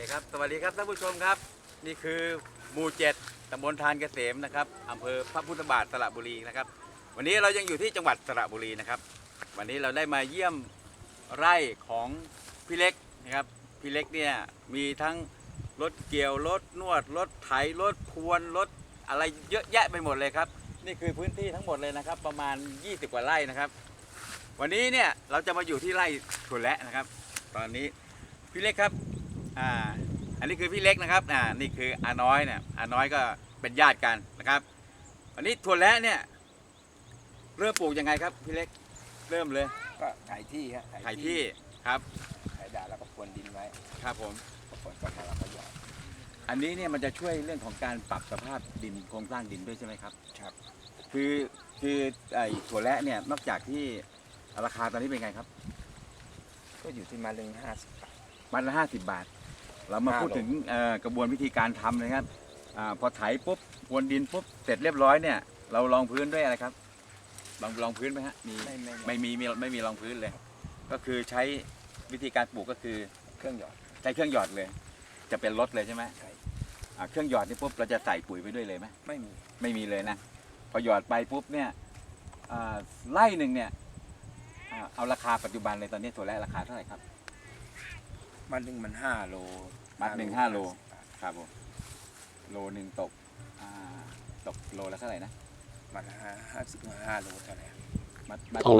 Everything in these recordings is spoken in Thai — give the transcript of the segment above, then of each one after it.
ครับสวัสดีครับท่านผู้ชมครับนี่คือหมู่7ตำบลทานเกษมนะครับอำเภอพระพุทธบาทสระบุรีนะครับวันนี้เรายังอยู่ที่จังหวัดสระบุรีนะครับวันนี้เราได้มาเยี่ยมไร่ของพี่เล็กนะครับพี่เล็กเนี่ยมีทั้งรถเกี่ยวรถนวดรถไถรถพรวนรถอะไรเยอะแยะไปหมดเลยครับนี่คือพื้นที่ทั้งหมดเลยนะครับประมาณ20กว่าไร่นะครับวันนี้เนี่ยเราจะมาอยู่ที่ไร่ถั่วแระนะครับตอนนี้พี่เล็กครับอันนี้คือพี่เล็กนะครับนี่คืออาน้อยเนี่ยอาน้อยก็เป็นญาติกันนะครับวันนี้ถั่วแระเนี่ยเริ่มปลูกยังไงครับพี่เล็กเริ่มเลยก็ไถที่ฮะไถที่ครับไถด่าแล้วก็พรวนดินไว้ครับผมพอฝนตกมาเราก็หยอดอันนี้เนี่ยมันจะช่วยเรื่องของการปรับสภาพดินโครงสร้างดินด้วยใช่ไหมครับครับคือไอ้ถั่วแระเนี่ยนอกจากที่ราคาตอนนี้เป็นไงครับก็อยู่ที่มาเรื่อง50 บาทมัดละ50 บาทเรามาพูดถึงกระบวนวิธีการทำนะครับพอไถปุ๊บพรวนดินปุ๊บเสร็จเรียบร้อยเนี่ยเราลองพื้นด้วยอะไรครับลองพื้นไหมฮะมีไม่มีรองพื้นเลยก็คือใช้วิธีการปลูกก็คือเครื่องหยอดใช้เครื่องหยอดเลยจะเป็นรถเลยใช่ไหมใช่เครื่องหยอดนี่ปุ๊บเราจะใส่ปุ๋ยไปด้วยเลยไหมไม่มีเลยนะพอหยอดไปปุ๊บเนี่ยไร่หนึ่งเนี่ยเอาราคาปัจจุบันเลยตอนนี้ถั่วแระราคาเท่าไหร่ครับมัดหนึ่งมัน5 โลมัดหนึ่ง5 โลครับผมโลหนึ่งตกโลละเท่าไหร่นะมัดละ5 โลเท่าไหร่มัด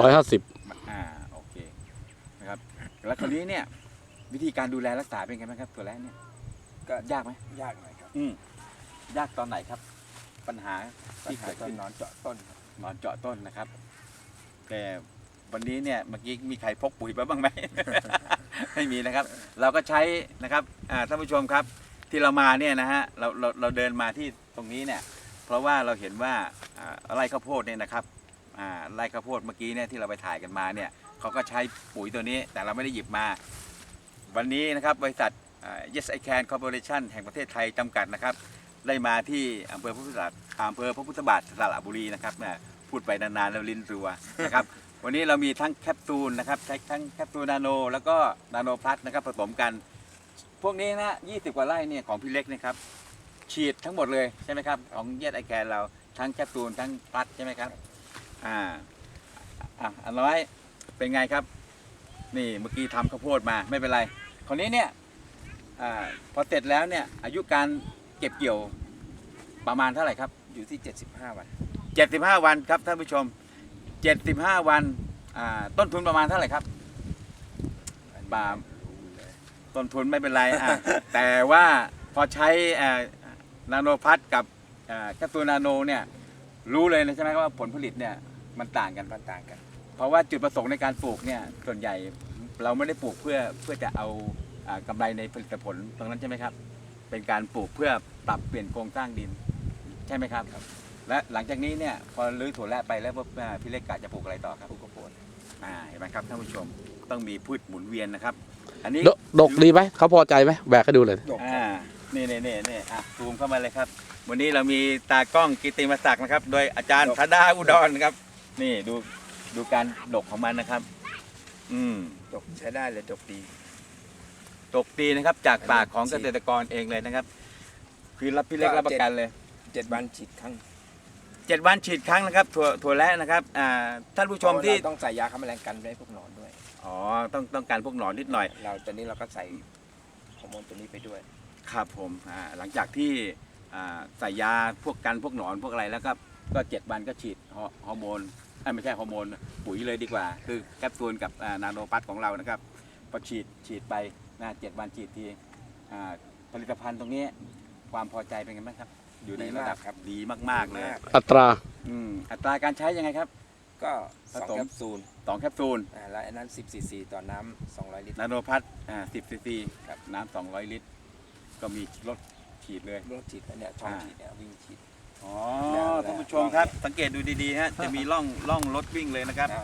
250 โอเคนะครับแล้วคราวนี้เนี่ยวิธีการดูแลรักษาเป็นไงบ้างครับถั่วแระเนี่ยก็ยากไหมยากหน่อยครับยากตอนไหนครับปัญหาที่เกิดขึ้นนอนเจาะต้นนอนเจาะต้นนะครับแต่วันนี้เนี่ยเมื่อกี้มีใครพกปุ๋ยมาบ้างไหม ไม่มีนะครับเราก็ใช้นะครับท่านผู้ชมครับที่เรามาเนี่ยนะฮะเราเดินมาที่ตรงนี้เนี่ยเพราะว่าเราเห็นว่าไร่ข้าวโพดเนี่ยนะครับไร่ข้าวโพดเมื่อกี้เนี่ยที่เราไปถ่ายกันมาเนี่ยเขาก็ใช้ปุ๋ยตัวนี้แต่เราไม่ได้หยิบมาวันนี้นะครับบริษัทYes I Can Corporation แห่งประเทศไทยจำกัดนะครับได้มาที่อำเภอพระพุทธบาทสระบุรีนะครับพูดไปนานๆแล้วลิ้นรัวนะครับวันนี้เรามีทั้งแคปซูลนะครับใช้ทั้งแคปซูลนาโนแล้วก็นาโนพลัสนะครับผสมกันพวกนี้นะ20 กว่าไร่เนี่ยของพี่เล็กนะครับฉีดทั้งหมดเลยใช่ไหมครับของYes I Canเราทั้งแคปซูลทั้งพลัสใช่ไหมครับอันน้อยเป็นไงครับนี่เมื่อกี้ทำข้าวโพดมาไม่เป็นไรคราวนี้เนี่ยพอเสร็จแล้วเนี่ยอายุการเก็บเกี่ยวประมาณเท่าไหร่ครับอยู่ที่75 วัน 75 วันครับท่านผู้ชม75 วันต้นทุนประมาณเท่าไหร่ครับต้นทุนไม่เป็นไรแต่ว่าพอใช้นาโนพัทกับแคปซูลนาโนเนี่ยรู้เลยนะใช่ไหมว่าผลผลิตเนี่ยมันต่างกันเพราะว่าจุดประสงค์ในการปลูกเนี่ยส่วนใหญ่เราไม่ได้ปลูกเพื่อจะเอากำไรในผลิตผลตรงนั้นใช่ไหมครับเป็นการปลูกเพื่อปรับเปลี่ยนโครงสร้างดินใช่ไหมครับและหลังจากนี้เนี่ยพอรื้อถั่วแระไปแล้วพี่เล็กกะจะปลูกอะไรต่อครับปลูกข้าวโพดเห็นไหมครับท่านผู้ชมต้องมีพืชหมุนเวียนนะครับอันนี้ดกดีไหมเขาพอใจไหมแบกให้ดูเลยนี่ซูมเข้ามาเลยครับวันนี้เรามีตากล้องกิตติมศักดิ์นะครับโดยอาจารย์ธดาอุดรนะครับนี่ดูการดกของมันนะครับดกใช้ได้เลยดกดีนะครับจากปากของเกษตรกรเองเลยนะครับคือรับพี่เล็กรับประกันเลย 7 วันฉีดครั้ง 7 วันฉีดครั้งนะครับถั่วแระนะครับท่านผู้ชมที่ต้องใส่ยาฆ่าแมลงกันไว้พวกหนอนด้วยต้องการพวกหนอนนิดหน่อยตอนนี้เราก็ใส่ฮอร์โมนตัวนี้ไปด้วยครับผมหลังจากที่ใส่ยาพวกกันพวกหนอนพวกอะไรแล้วก็7 วันก็ฉีดฮอร์โมนไม่ใช่ฮอร์โมนปุ๋ยเลยดีกว่าคือแคปซูลกับนาโนพัทของเรานะครับพอฉีดไป7 วันฉีดทีผลิตภัณฑ์ตรงนี้ความพอใจเป็นไงบ้างครับอยู่ในระดับดีมากๆเลยอัตราการใช้ยังไงครับก็2 แคปซูลแล้วอันนั้น10 cc ต่อน้ำ200 ลิตรนาโนพัท10 cc กับน้ำ200 ลิตรก็มีรถฉีดเลยรถฉีดเนี่ยช่องฉีดเนี่ยวิ่งฉีดท่านผู้ชมครับสังเกตดูดีๆฮะจะมีร่องรถวิ่งเลยนะครับ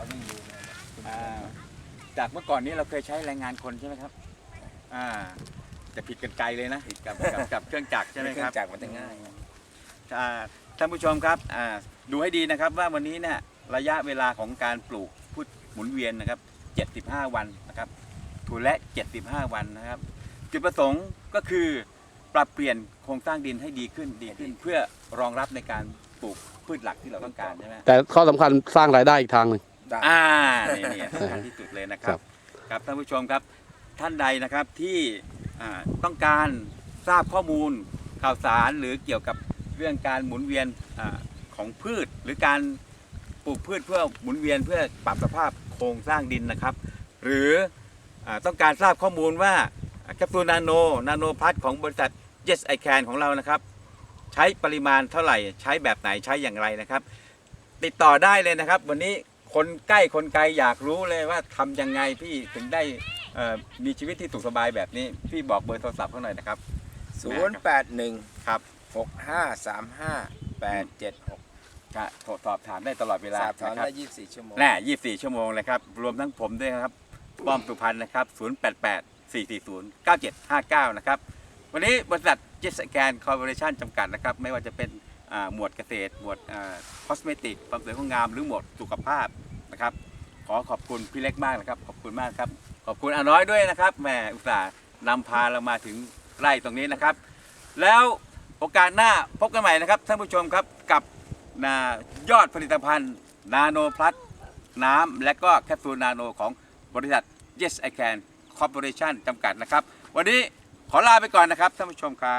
จากเมื่อก่อนนี้เราเคยใช้แรงงานคนใช่ไหมครับจะผิดกันไกลเลยนะผิดกับเครื่องจักรใช่ไหมครับเครื่องจักรมันจะง่ายท่านผู้ชมครับดูให้ดีนะครับว่าวันนี้เนี่ยระยะเวลาของการปลูกพืชหมุนเวียนนะครับ75 วันนะครับถั่วแระ75 วันนะครับจุดประสงค์ก็คือปรับเปลี่ยนโครงสร้างดินให้ดีขึ้นเพื่อรองรับในการปลูกพืชหลักที่เราต้องการใช่ไหมแต่ข้อสำคัญสร้างรายได้อีกทางหนึ่งได้นี่สำคัญที่สุดเลยนะครัครับ บครับท่านผู้ชมครับท่านใดนะครับที่ต้องการทราบข้อมูลข่าวสารหรือเกี่ยวกับเรื่องการหมุนเวียนของพืช หรือการปลูกพืชเพื่อหมุนเวียนเพื่อปรับสภาพโครงสร้างดินนะครับ หรือต้องการทราบข้อมูลว่าแคปซูลนาโนพัทของบริษัท Yes I Can ของเรานะครับ ใช้ปริมาณเท่าไหร่ใช้แบบไหนใช้อย่างไรนะครับ ติดต่อได้เลยนะครับ วันนี้คนใกล้คนไกลอยากรู้เลยว่าทำยังไงพี่ถึงได้มีชีวิตที่สุขสบายแบบนี้ พี่บอกเบอร์โทรศัพท์เขาหน่อยนะครับ 081 ครับ 6535 876 ก็โทรสอบถามได้ตลอดเวลาสอบถามนะครับได้24 ชั่วโมงแน่24 ชั่วโมงเลยครับ รวมทั้งผมด้วยนะครับ ป้อมสุพรรณนะครับ 088-440-9759 นะครับ วันนี้บริษัท Yes I Can Corporation จำกัดนะครับ ไม่ว่าจะเป็นหมวดเกษตร หมวดคอสเมติกความสวยความงาม หรือหมวดสุขภาพนะครับ ขอขอบคุณพี่เล็กมากนะครับ ขอบคุณมากครับ ขอบคุณอาน้อยด้วยนะครับแหมอุตส่าห์นำพาเรามาถึงไร่ตรงนี้นะครับ แล้วโอกาสหน้าพบกันใหม่นะครับท่านผู้ชมครับกับยอดผลิตภัณฑ์นาโนพลัสน้ำและก็แคปซูลนาโนของบริษัท Yes I Can Corporation จำกัดนะครับ วันนี้ขอลาไปก่อนนะครับท่านผู้ชมครับ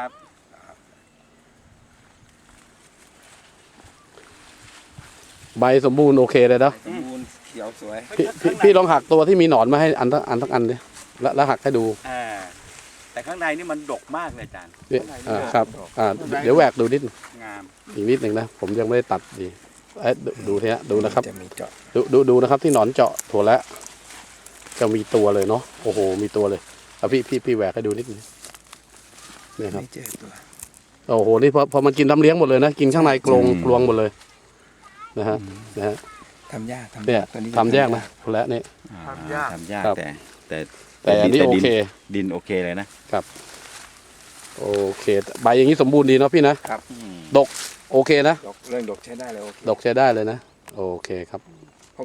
ใบสมบูรณ์โอเคเลยเนาะสมบูรณ์เขียวสวยพี่ลองหักตัวที่มีหนอนมาให้อันทั้งอันดิแล้วหักให้ดูแต่ข้างในนี่มันดกมากเลยอาจารย์เนี่ยข้างในนี่ดกครับเดี๋ยวแหวกดูนิดงามอีกนิดหนึ่งนะผมยังไม่ได้ตัดดีดูทีนะดูนะครับจะมีเจาะดูนะครับที่หนอนเจาะถั่วแล้วจะมีตัวเลยเนาะโอ้โหมีตัวเลยเอาพี่แหวกให้ดูนิดนึงเนี่ยครับไม่เจอตัวโอ้โหนี่พอมันกินน้ำเลี้ยงหมดเลยนะกินข้างในกลวงหมดเลยนะฮะทำยากเนี่ยตัวนี้ทำแยกนะถั่วแล้วเนี่ยทำยากครับแต่อันนี้โอเคดินโอเคเลยนะโอเคใบอย่างนี้สมบูรณ์ดีเนาะพี่นะโอเคนะดกเรื่องดกใช้ได้เลยโอเคดกใช้ได้เลยนะโอเคครับ